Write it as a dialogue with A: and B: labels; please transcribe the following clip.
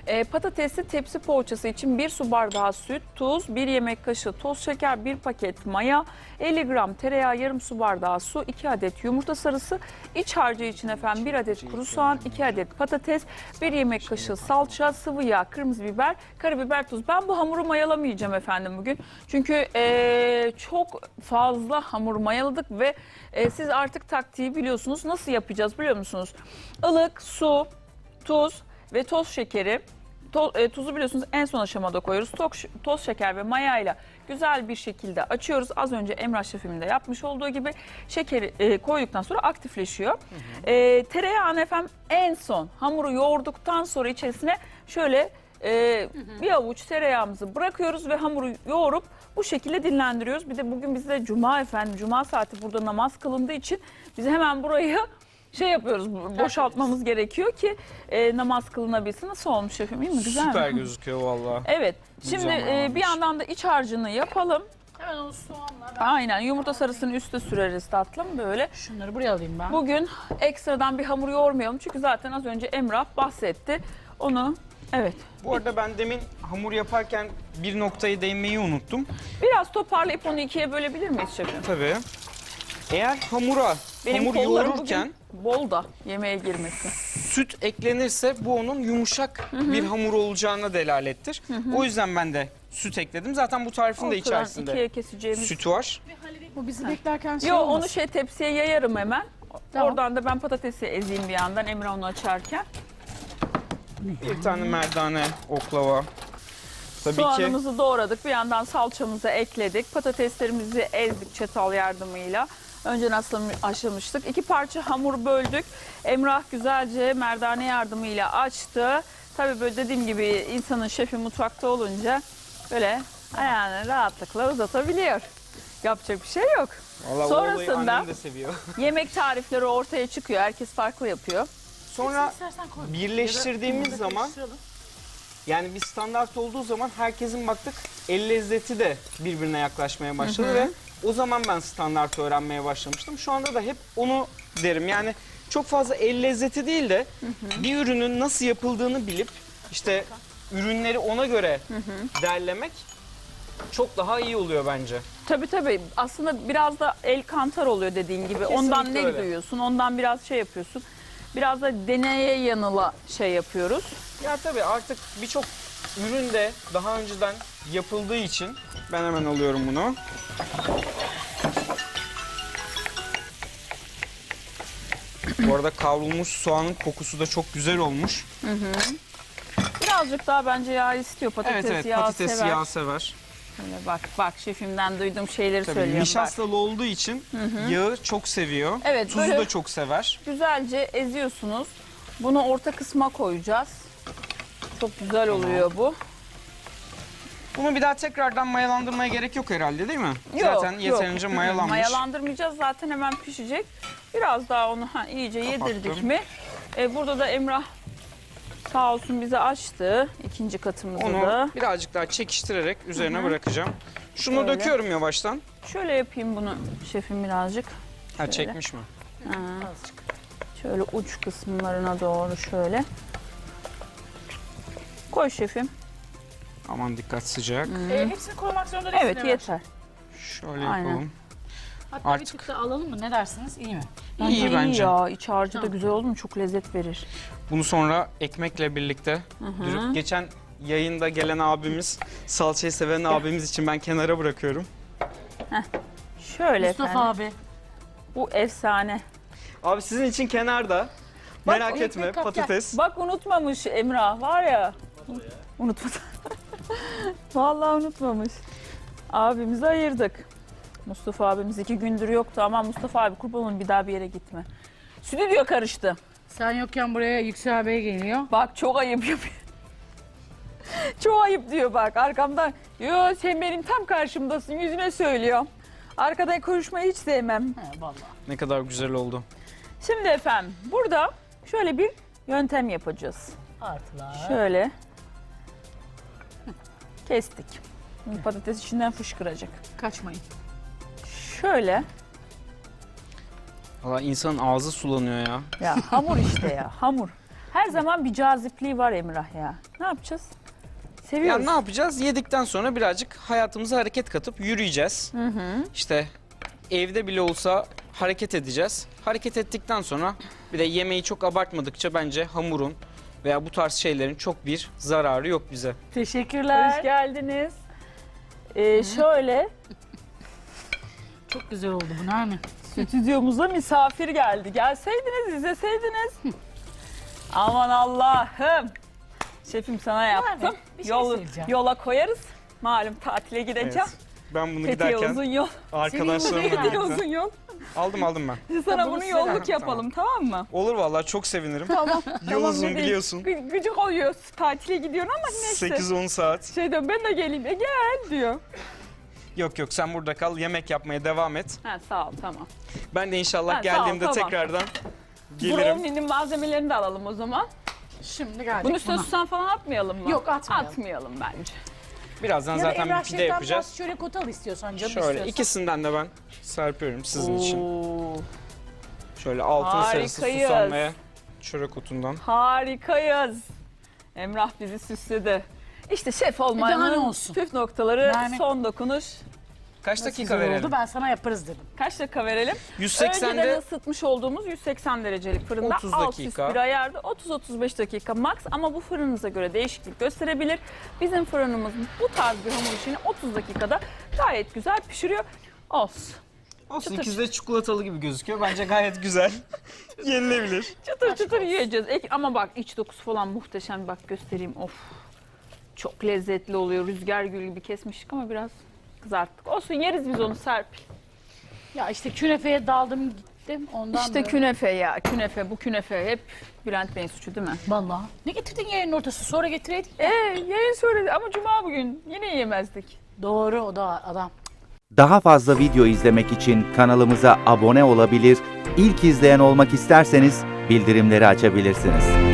A: Patatesli tepsi poğaçası için 1 su bardağı süt, tuz, 1 yemek kaşığı toz şeker, 1 paket maya, 50 gram tereyağı, yarım su bardağı su, 2 adet yumurta sarısı, iç harcı için efendim 1 adet kuru soğan, 2 adet patates, 1 yemek kaşığı salça, sıvı yağ, kırmızı biber, karabiber, tuz. Ben bu hamuru mayalamayacağım efendim bugün. Çünkü çok fazla hamur mayaladık ve siz artık taktiği biliyorsunuz. Nasıl yapacağız biliyor musunuz? Ilık, su, tuz ve toz şekeri. Tuzu biliyorsunuz en son aşamada koyuyoruz. Toz şeker ve mayayla güzel bir şekilde açıyoruz. Az önce Emrah Şefim'in de yapmış olduğu gibi şekeri koyduktan sonra aktifleşiyor. Tereyağını efendim en son hamuru yoğurduktan sonra içerisine şöyle bir avuç tereyağımızı bırakıyoruz ve hamuru yoğurup bu şekilde dinlendiriyoruz. Bir de bugün bizde cuma efendim, cuma saati burada namaz kılındığı için biz hemen burayı yapıyoruz, boşaltmamız gerekiyor ki namaz kılınabilsin. Nasıl olmuş şefim, iyi mi? Güzel
B: Süper
A: mi?
B: gözüküyor valla.
A: Evet. Şimdi bir yandan da iç harcını yapalım.
C: Hemen onu soğanla.
A: Aynen, yumurta sarısını üste süreriz tatlım böyle.
C: Şunları buraya alayım ben.
A: Bugün ekstradan bir hamur yoğurmayalım çünkü zaten az önce Emrah bahsetti. Onu evet.
B: Bu arada ben demin hamur yaparken bir noktayı değinmeyi unuttum.
A: Biraz toparlayıp onu ikiye bölebilir miyiz şefim?
B: Tabii. Eğer hamur
A: Kollarım
B: yoğururken
A: bugün bol da yemeğe girmesi.
B: süt eklenirse bu onun yumuşak bir hamur olacağına delalettir. O yüzden ben de süt ekledim. Zaten bu tarifin de
A: Ortadan
B: içerisinde
A: ikiye keseceğimiz.
B: süt var.
C: Bu bizi beklerken
A: Yo, onu
C: olmasın.
A: tepsiye yayarım hemen.
C: Tamam.
A: Oradan da ben patatesi ezeyim bir yandan Emrah onu açarken.
B: Bir tane merdane, oklava. Tabii ki
A: Soğanımızı doğradık. Bir yandan salçamızı ekledik. Patateslerimizi ezdik çatal yardımıyla. Önce nasıl haşlamıştık. 2 parça hamur böldük. Emrah güzelce merdane yardımıyla açtı. Tabii böyle dediğim gibi insanın şefi mutfakta olunca böyle ayağını rahatlıkla uzatabiliyor. Yapacak bir şey yok.
B: vallahi o olayı
A: Sonrasında
B: annem de seviyor.
A: yemek tarifleri ortaya çıkıyor. Herkes farklı yapıyor.
B: Sonra
C: İstersen koy.
B: birleştirdiğimiz
C: Ya da
B: zaman
C: karıştıralım.
B: yani bir standart olduğu zaman herkesin baktık el lezzeti de birbirine yaklaşmaya başladı ve o zaman ben standart öğrenmeye başlamıştım. Şu anda da hep onu derim. Yani çok fazla el lezzeti değil de bir ürünün nasıl yapıldığını bilip işte ürünleri ona göre derlemek çok daha iyi oluyor bence.
A: Tabii. Aslında biraz da el kantar oluyor dediğin gibi. Ondan ne
B: öyle.
A: duyuyorsun, ondan biraz yapıyorsun. Biraz da deneye yanıla yapıyoruz.
B: Ya tabii artık birçok ürün de daha önceden yapıldığı için ben hemen alıyorum bunu. Bu arada kavrulmuş soğanın kokusu da çok güzel olmuş.
A: Birazcık daha bence yağ istiyor. Patates yağı
B: patates
A: sever.
B: yağı sever.
A: Şöyle bak şefimden duyduğum şeyleri
B: Tabii
A: söylüyorum. Bak.
B: nişastalı olduğu için yağı çok seviyor.
A: Evet,
B: Tuzu
A: böyle-
B: da çok sever.
A: Güzelce eziyorsunuz. Bunu orta kısma koyacağız. Çok güzel oluyor bu.
B: Bunu bir daha tekrardan mayalandırmaya gerek yok herhalde değil mi?
A: Yok,
B: Zaten yeterince
A: yok.
B: mayalanmış.
A: Mayalandırmayacağız, zaten hemen pişecek. Biraz daha onu iyice yedirdik
B: Kapattım.
A: mi? Burada da Emrah sağ olsun bize açtı ikinci katımızı
B: Onu
A: da.
B: birazcık daha çekiştirerek üzerine bırakacağım. Şunu
A: Böyle.
B: döküyorum yavaştan.
A: Şöyle yapayım bunu şefim birazcık.
B: Ha çekmiş mi?
A: Şöyle uç kısımlarına doğru şöyle. Koy şefim.
B: Aman dikkat sıcak.
C: Hepsini koymak zorunda değilsin.
A: Evet
C: Emrah.
A: yeter.
B: Şöyle
A: Aynen.
B: yapalım.
C: Hatta
B: Artık.
C: bir tık da alalım mı? Ne dersiniz? İyi mi?
B: İyi bence.
A: ya. İç harcı da
C: Tamam.
A: güzel oldu mu çok lezzet verir.
B: Bunu sonra ekmekle birlikte dürüp geçen yayında gelen abimiz, salçayı seven abimiz için ben kenara bırakıyorum.
A: Şöyle
C: Mustafa
A: efendim.
C: abi.
A: Bu efsane.
B: Abi sizin için kenarda.
A: Bak,
B: Merak
A: o
B: etme
C: ekmek kap,
B: patates.
A: Bak unutmamış Emrah var ya. Unutmadı. Vallahi unutmamış. Abimizi ayırdık. Mustafa abimiz 2 gündür yoktu ama Mustafa abi kurban olun bir daha bir yere gitme. Stüdyo karıştı.
C: Sen yokken buraya Yüksel Bey geliyor.
A: Bak çok ayıp yapıyor. Çok ayıp diyor bak arkamdan. Yo sen benim tam karşımdasın yüzüne söylüyorum. Arkadan konuşmayı hiç sevmem.
C: He vallahi.
B: Ne kadar güzel oldu.
A: Şimdi efendim burada şöyle bir yöntem yapacağız.
C: Artılar.
A: Şöyle kestik. Şimdi patates içinden fışkıracak.
C: Kaçmayın.
A: Şöyle
B: Valla insanın ağzı sulanıyor ya.
A: ya hamur işte ya hamur. Her zaman bir cazipliği var Emrah ya. Ne yapacağız?
B: Ya
A: Seviyoruz.
B: ne yapacağız? Yedikten sonra birazcık hayatımıza hareket katıp yürüyeceğiz. İşte evde bile olsa hareket edeceğiz. Hareket ettikten sonra bir de yemeği çok abartmadıkça bence hamurun veya bu tarz şeylerin çok bir zararı yok bize.
C: Teşekkürler.
A: Hoş geldiniz. Şöyle
C: Çok güzel oldu bu Nermin.
A: stüdyomuza misafir geldi. Gelseydiniz, izleseydiniz. Aman Allah'ım. Şefim sana yaptım.
C: Yani bir şey söyleyeceğim.
A: Yola koyarız. Malum tatile gideceğim.
B: Ben bunu
A: Fethiye
B: giderken
A: uzun yol.
B: arkadaşlarımla
C: Senin
A: Fethiye
B: birlikte
A: uzun yol.
B: aldım ben.
A: Sana
C: bunu
A: bunu
C: size-
A: yolluk
B: Tamam.
A: yapalım, tamam mı?
B: Olur vallahi çok sevinirim.
A: Tamam.
B: Yol uzun
A: bebeğim.
B: biliyorsun.
A: Gıcık oluyor. Tatile gidiyorsun ama neyse.
B: 8-10 saat.
A: Şey diyorum, ben de geleyim. Gel diyor.
B: Yok sen burada kal, yemek yapmaya devam et.
A: Ha, sağ ol, tamam.
B: Ben de inşallah
A: Ha, sağ ol,
B: geldiğimde
A: tamam.
B: tekrardan gelirim.
A: Brownie'nin malzemelerini de alalım o zaman.
C: Şimdi geldik
A: Bunun üstüne
C: buna.
A: susam falan atmayalım mı?
C: Yok, atmayalım.
A: Atmayalım bence.
B: Birazdan
C: Ya da
B: zaten
C: Emrah
B: bir pide
C: Şef'ten
B: yapacağız.
C: biraz çörek otu al istiyorsan canım
B: Şöyle
C: istiyorsan.
B: ikisinden de ben serpiyorum sizin için.
A: Oo,
B: Şöyle altın sarısı
A: Harikayız.
B: susam ve çörek otundan.
A: harikayız. Emrah bizi süsledi. İşte şef
C: daha ne
A: olmanın
C: olsun?
A: püf noktaları,
C: Yani-
A: son dokunuş.
B: Kaç
C: Nasıl
B: dakika
C: güzel
B: verelim?
C: oldu ben sana yaparız dedim.
A: Kaç dakika verelim?
B: 180'de
A: Önceden ısıtmış olduğumuz 180 derecelik fırında
B: 30
A: alt üst
B: dakika.
A: bir ayarda 30-35 dakika max, ama bu fırınınıza göre değişiklik gösterebilir. Bizim fırınımız bu tarz bir hamur işini 30 dakikada gayet güzel pişiriyor. Olsun.
B: olsun
A: çıtır.
B: ikisi de çikolatalı gibi gözüküyor. Bence gayet güzel. Yenilebilir.
A: Çıtır çıtır yiyeceğiz. Ama bak iç dokusu falan muhteşem. Bak göstereyim. Of. Çok lezzetli oluyor. Rüzgar gülü gibi kesmiştik ama biraz kızarttık. Olsun, yeriz biz onu Serpil.
C: Ya işte künefeye daldım gittim ondan
A: İşte
C: böyle.
A: künefe ya. Künefe, bu künefe hep Bülent Bey'in suçu değil mi?
C: Vallahi. Ne getirdin yayının ortası sonra getireydik.
A: Yayın söyledi ama cuma bugün. Yine yemezdik.
C: Doğru o da adam.
D: Daha fazla video izlemek için kanalımıza abone olabilir, ilk izleyen olmak isterseniz bildirimleri açabilirsiniz.